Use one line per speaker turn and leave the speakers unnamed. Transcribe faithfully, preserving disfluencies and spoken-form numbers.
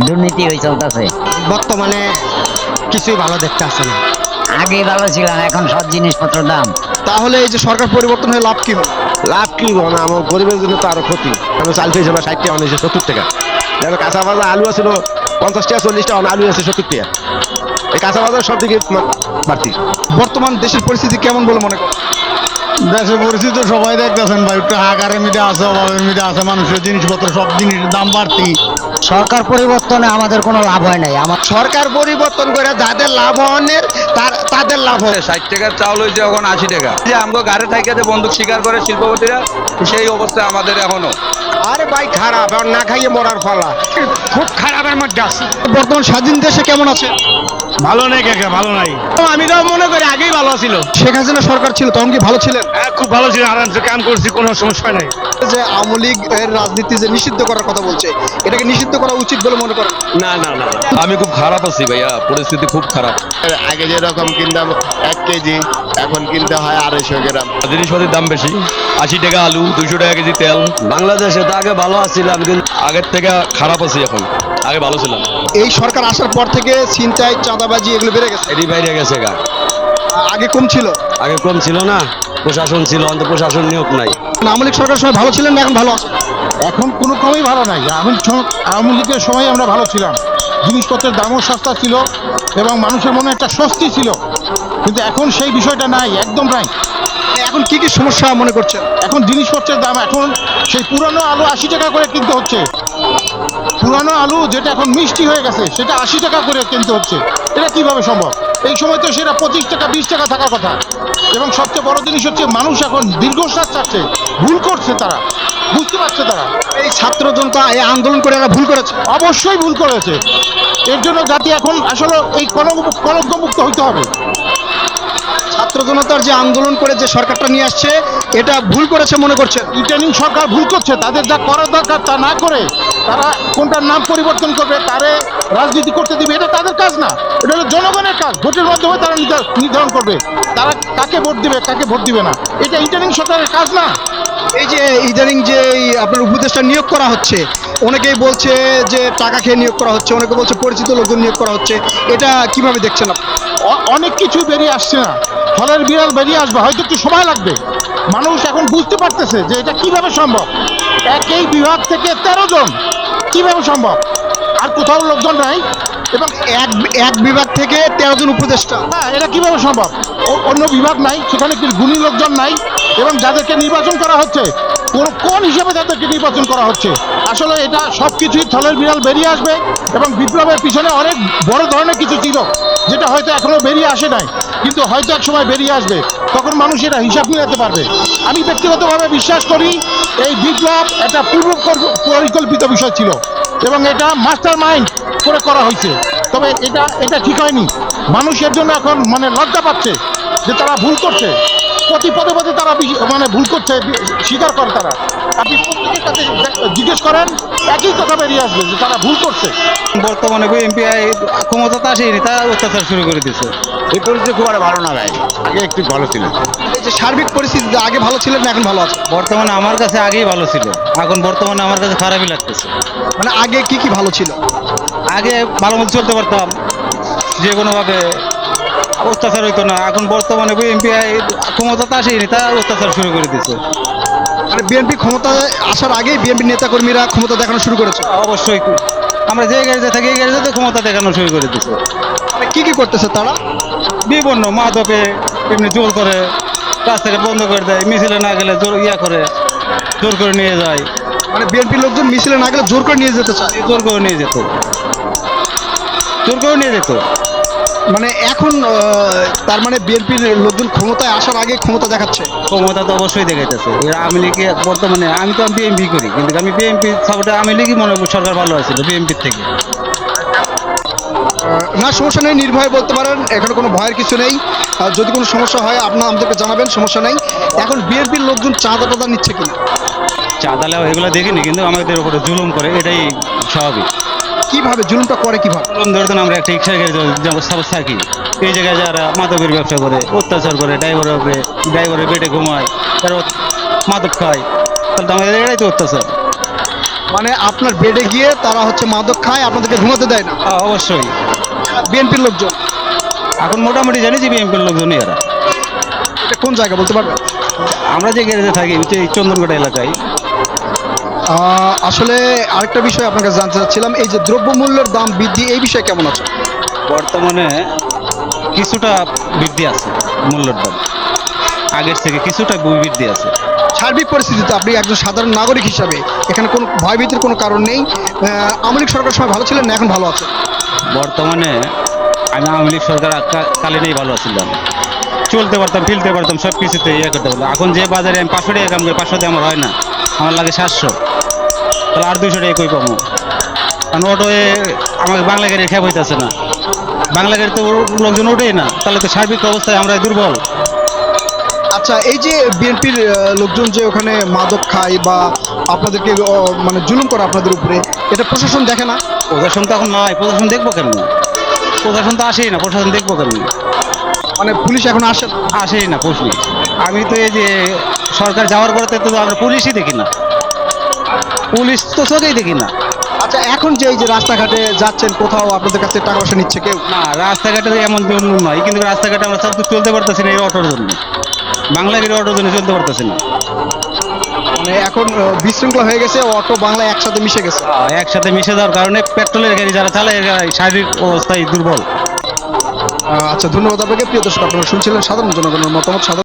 দুর্নীতি হয়ে চলতেছে।
বর্তমানে কিছুই ভালো দেখতে আসছে না।
আগে ভালো ছিলাম, এখন সব জিনিসপত্র দাম।
তাহলে এই যে সরকার পরিবর্তন হয়ে লাভ কি হলো?
লাভ কি মানে আমার গরিবের জন্য তো আরো ক্ষতি। কারণ চাল পেয়েছে না ষাট টাকা, অনেক সত্তর টাকা। দেখো কাঁচা বাজার আলু আছিল পঞ্চাশ টাকা চল্লিশ টাকা, আলু আছে সত্তর টাকা। এই কাঁচা বাজার সব দিকে বাড়তি।
বর্তমান দেশের পরিস্থিতি কেমন বলে মনে করেন?
দেশের পরিস্থিতি তো সবাই দেখতেছেন ভাই, একটু হাহাকারের মধ্যে আছে, অভাবের মধ্যে আছে, মানুষের জিনিসপত্র সব জিনিসের দাম বাড়তি।
সরকার পরিবর্তনে আমাদের কোনো লাভ হয় নাই। আমার
সরকার পরিবর্তন করে যাদের লাভ হওয়ার তার তাদের লাভ হয়।
ষাট টাকার চাউল হয়েছে এখন আশি টাকা। যে আমাকে গাড়ি থাইকাতে বন্দুক শিকার করে শিল্পপতিরা, সেই অবস্থা আমাদের এখনো।
আরে ভাই খারাপ, আর না খাইয়ে মরার ফলা। খুব খারাপের মধ্যে আছে। বর্তমান স্বাধীন দেশে কেমন আছে?
ভালো নেই কাকা, ভালো নাই।
আমি তো মনে করি আগেই ভালো ছিল। শেখ হাসিনা সরকার ছিল তখন কি ভালো ছিলেন?
হ্যাঁ, খুব ভালো ছিল, আরামসে কাম করছি, কোনো সমস্যা নাই।
যে আওয়ামী লীগ এর রাজনীতি যে নিষিদ্ধ করার কথা বলছে, এটাকে নিষিদ্ধ করা উচিত বলে মনে করেন?
না না না,
আমি খুব খারাপ আছি ভাইয়া, পরিস্থিতি খুব খারাপ।
আগে যেরকম কিনতাম এক কেজি, এখন কিনতে হয় আড়াইশো গ্রাম।
জিনিসপাতির দাম বেশি, আশি টাকা আলু, দুইশো টাকা কেজি তেল। বাংলাদেশে তো আগে ভালো আছিলাম, কিন্তু আগের থেকে খারাপ আছি এখন। আগে ভালো ছিলাম।
এই সরকার আসার পর থেকে ছিনতাই, চাঁদাবাজি এগুলো বেড়ে গেছে।
এটি বাইরে গেছে গা।
আগে কম ছিল।
আগে কম ছিল না, প্রশাসন ছিল, অন্ত প্রশাসন নিয়োগ নাই।
আওয়ামী লীগ সরকার সময় ভালো ছিলেন না এখন ভালো আছে?
এখন কোনো কমই ভালো নাই। আমি আওয়ামী লীগের সময় আমরা ভালো ছিলাম, জিনিসপত্রের দামও সস্তা ছিল এবং মানুষের মনে একটা স্বস্তি ছিল, কিন্তু এখন সেই বিষয়টা নাই, একদম নাই।
এখন কি কি সমস্যা মনে করছেন?
এখন জিনিসপত্রের দাম, এখন সেই পুরানো আলু আশি টাকা করে কিনতে হচ্ছে। পুরানো আলু যেটা এখন মিষ্টি হয়ে গেছে সেটা আশি টাকা করে কিনতে হচ্ছে। এটা কিভাবে সম্ভব? এই সময় তো সেটা পঁচিশ টাকা বিশ টাকা থাকার কথা। এবং সবচেয়ে বড় জিনিস হচ্ছে মানুষ এখন দীর্ঘশ্বাস চাচ্ছে, ভুল করছে তারা, বুঝতে পারছে তারা।
এই ছাত্র জনতা এই আন্দোলন করে এরা ভুল করেছে।
অবশ্যই ভুল করেছে। এর জন্য জাতি এখন আসলে এই কলঙ্ক কলঙ্কমুক্ত হইতে হবে।
ছাত্র জনতার যে আন্দোলন করে যে সরকারটা নিয়ে আসছে, এটা ভুল করেছে মনে করছেন?
রিটার্নিং সরকার ভুল করছে, তাদের যা করার দরকার তা না করে তারা কোনটার নাম পরিবর্তন করবে, তারে রাজনীতি করতে দিবে, এটা তাদের কাজ না। এটা হলো জনগণের কাজ। ভোটের মাধ্যমে তারা নির্ধারণ করবে তারা কাকে ভোট দিবে, কাকে ভোট দিবে না। এটা রিটার্নিং সরকারের কাজ না।
এই যে ইদানিং যে এই আপনার উপদেষ্টা নিয়োগ করা হচ্ছে, অনেকেই বলছে যে টাকা খেয়ে নিয়োগ করা হচ্ছে, অনেকে বলছে পরিচিত লোকজন নিয়োগ করা হচ্ছে, এটা কিভাবে দেখছেন আপনি?
অ- অনেক কিছু বেরিয়ে আসছে না, ফলের বিড়াল বেরিয়ে আসবে, হয়তো একটু সময় লাগবে। মানুষ এখন বুঝতে পারতেছে যে এটা কিভাবে সম্ভব। একই বিভাগ থেকে তেরো জন, কিভাবে সম্ভব? আর কোথাও লোকজন নাই এবং
এক এক বিভাগ থেকে তেরো জন উপদেষ্টা।
হ্যাঁ, এটা কিভাবে সম্ভব? ও- অন্য বিভাগ নাই, সেখানে কি গুণী লোকজন নাই? এবং যাদেরকে নির্বাচন করা হচ্ছে, কোন কোন হিসেবে তাদেরকে নির্বাচন করা হচ্ছে? আসলে এটা সব কিছুই থলের বিড়াল বেরিয়ে আসবে এবং বিপ্লবের পিছনে অনেক বড় ধরনের কিছু ছিল, যেটা হয়তো এখনো বেরিয়ে আসে নাই, কিন্তু হয়তো এক সময় বেরিয়ে আসবে। তখন মানুষ এটা হিসাব মিলাতে পারবে। আমি ব্যক্তিগতভাবে বিশ্বাস করি এই বিপ্লব একটা পূর্ব পর- পরিকল্পিত বিষয় ছিল এবং এটা মাস্টার মাইন্ড করে করা হয়েছে। তবে এটা এটা ঠিক হয়নি। মানুষের জন্য এখন মানে লজ্জা পাচ্ছে যে তারা ভুল করছে। প্রতি পদে পদে তারা বিশ- মানে ভুল করছে, বি- স্বীকার করে তারা। আপনি প্রত্যেকের কাছে দে- জিজ্ঞেস করেন, একই কথা বেরিয়ে আসবে যে তারা ভুল করছে।
বর্তমানে বিএনপি ক্ষমতাতে আসেনি, তারা অত্যাচার শুরু করে দিচ্ছে।
এই পরিস্থিতি খুব একটা ভালো না ভাই, আগে একটু ভালো ছিল।
এই যে সার্বিক পরিস্থিতি আগে ভালো ছিলেন না এখন ভালো আছে?
বর্তমানে আমার কাছে আগেই ভালো ছিল, এখন বর্তমানে আমার কাছে খারাপই লাগতেছে।
মানে আগে কি কি ভালো ছিল?
আগে ভালো মতো চলতে পারতাম, যে কোনোভাবে অত্যাচার হইতো না। এখন বর্তমানে বিএনপি ক্ষমতাতে আসেনি, তারা অত্যাচার শুরু করে দিচ্ছে।
মানে বিএনপি ক্ষমতায় আসার আগেই বিএনপি নেতাকর্মীরা ক্ষমতা দেখানো শুরু করেছে।
অবশ্যই আমরা যে গাড়িতে থাকি এই গাড়িতে ক্ষমতা দেখানো শুরু করে দিচ্ছে।
মানে কি কি করতেছে তারা?
বিভিন্ন মাদকে এমনি জোর করে, রাস্তাঘাট বন্ধ করে দেয়, মিছিলে না গেলে জোর ইয়া করে জোর করে নিয়ে যায়।
মানে বিএনপি লোকজন মিছিলে না গেলে জোর করে নিয়ে যেতে চায়।
জোর করে নিয়ে যেত, জোর করে নিয়ে যেত।
মানে এখন আহ, তার মানে বিএনপির লোকজন ক্ষমতায় আসার আগে ক্ষমতা দেখাচ্ছে।
ক্ষমতা তো অবশ্যই দেখাইতেছে। এরা আওয়ামী লীগে বর্তমানে, আমি তো বিএনপি করি, কিন্তু আমি বিএনপি সাপোর্টে আওয়ামী লীগই মনে করি সরকার ভালো আছিল বিএনপির থেকে।
আহ, না সমস্যা নেই, নির্ভয়ে বলতে পারেন, এখানে কোনো ভয়ের কিছু নেই। আর যদি কোনো সমস্যা হয় আপনার আমাদেরকে জানাবেন, সমস্যা নেই। এখন বিএনপির লোকজন চাঁদা টাদা নিচ্ছে কিনা?
চাঁদা লেওয়া এগুলো দেখিনি, কিন্তু আমাদের উপরে জুলুম করে, এটাই স্বাভাবিক।
কিভাবে জুলুমটা করে কিভাবে?
জুলুম ধরতেন, আমরা একটা রিক্সা গাড়ি সাপোজ থাকি, এই জায়গায় যারা মাদকের ব্যবসা করে, অত্যাচার করে, ড্রাইভারের উপরে, ড্রাইভারের পেটে ঘুমায়, তারা মাদক খায়, তাহলে তো আমাদের এটাই তো অত্যাচার।
মানে আপনার বেডে গিয়ে তারা হচ্ছে মাদক খায়, আপনাদেরকে ঘুমাতে দেয় না।
হ্যাঁ, অবশ্যই।
বিএনপির লোকজন।
এখন মোটামুটি জানি যে বিএনপির লোকজনই এরা।
এটা কোন জায়গা বলতে পারবেন?
আমরা যে গ্যারেজে থাকি এই চন্দনকোটা এলাকায়।
আহ, আসলে আরেকটা বিষয় আপনার কাছে জানতে চাচ্ছিলাম, এই যে দ্রব্যমূল্যের দাম বৃদ্ধি, এই বিষয়ে কেমন আছে?
বর্তমানে কিছুটা বৃদ্ধি আছে মূল্যের দাম, আগের থেকে কিছুটা বৃদ্ধি আছে।
সার্বিক পরিস্থিতিতে আপনি একজন সাধারণ নাগরিক হিসাবে এখানে কোনো ভয়ভীতির কোনো কারণ নেই। আহ, আওয়ামী লীগ সরকার সময় ভালো ছিলেন না এখন ভালো আছে?
বর্তমানে আমি আওয়ামী লীগ সরকার কা- কালীনেই ভালো আছিলাম, চলতে পারতাম, ফিরতে পারতাম, সব কিছুতে ইয়ে করতে পারতাম। এখন যে বাজারে আমি পাঁচশো টাকা কাম করি, পাঁচশো দিয়ে আমার হয় না, আমার লাগে সাতশো, তাহলে আর দুইশো টাকা কই পাবো? কারণ অটোয়ে আমাকে বাংলা গাড়ি খেপ হইতেছে না, বাংলা গাড়ি তো লোকজন ওঠেই না, তাহলে তো সার্বিক অবস্থায় আমরা দুর্বল।
আচ্ছা, এই যে বিএনপির লোকজন যে ওখানে মাদক খায় বা আপনাদেরকে আহ, মানে জুলুম করে আপনাদের উপরে, এটা প্রশাসন দেখে না?
প্রশাসন তো এখন নাই, প্রশাসন দেখবো কেন? প্রশাসন তো আসেই না, প্রশাসন দেখবো কেন?
মানে পুলিশ এখন আসে না?
আসেই না পুলিশ। আমি তো এই যে সরকার যাওয়ার পরে তো আমরা পুলিশই দেখি না, পুলিশ তো চোখেই দেখি না।
আচ্ছা, এখন যে এই যে রাস্তাঘাটে যাচ্ছেন, কোথাও আপনাদের কাছে টাকা পয়সা নিচ্ছে কেউ?
না, রাস্তাঘাটে এমন জন্য নয়, কিন্তু রাস্তাঘাটে আমরা সব চলতে পারতেছি না এই অটোর জন্য, বাংলা গাড়ি অটোর জন্য চলতে পারতেছি না।
মানে এখন আহ, বিশৃঙ্খলা হয়ে গেছে, অটো বাংলা একসাথে মিশে গেছে।
আহ, একসাথে মিশে যাওয়ার কারণে পেট্রোলের গাড়ি যারা চালায় এরা শারীরিক অবস্থায় দুর্বল।
আহ, আচ্ছা, ধন্যবাদ আপনাকে। প্রিয় দর্শক, আপনারা শুনছিলেন সাধারণ জনগণের মতামত। সাধারণ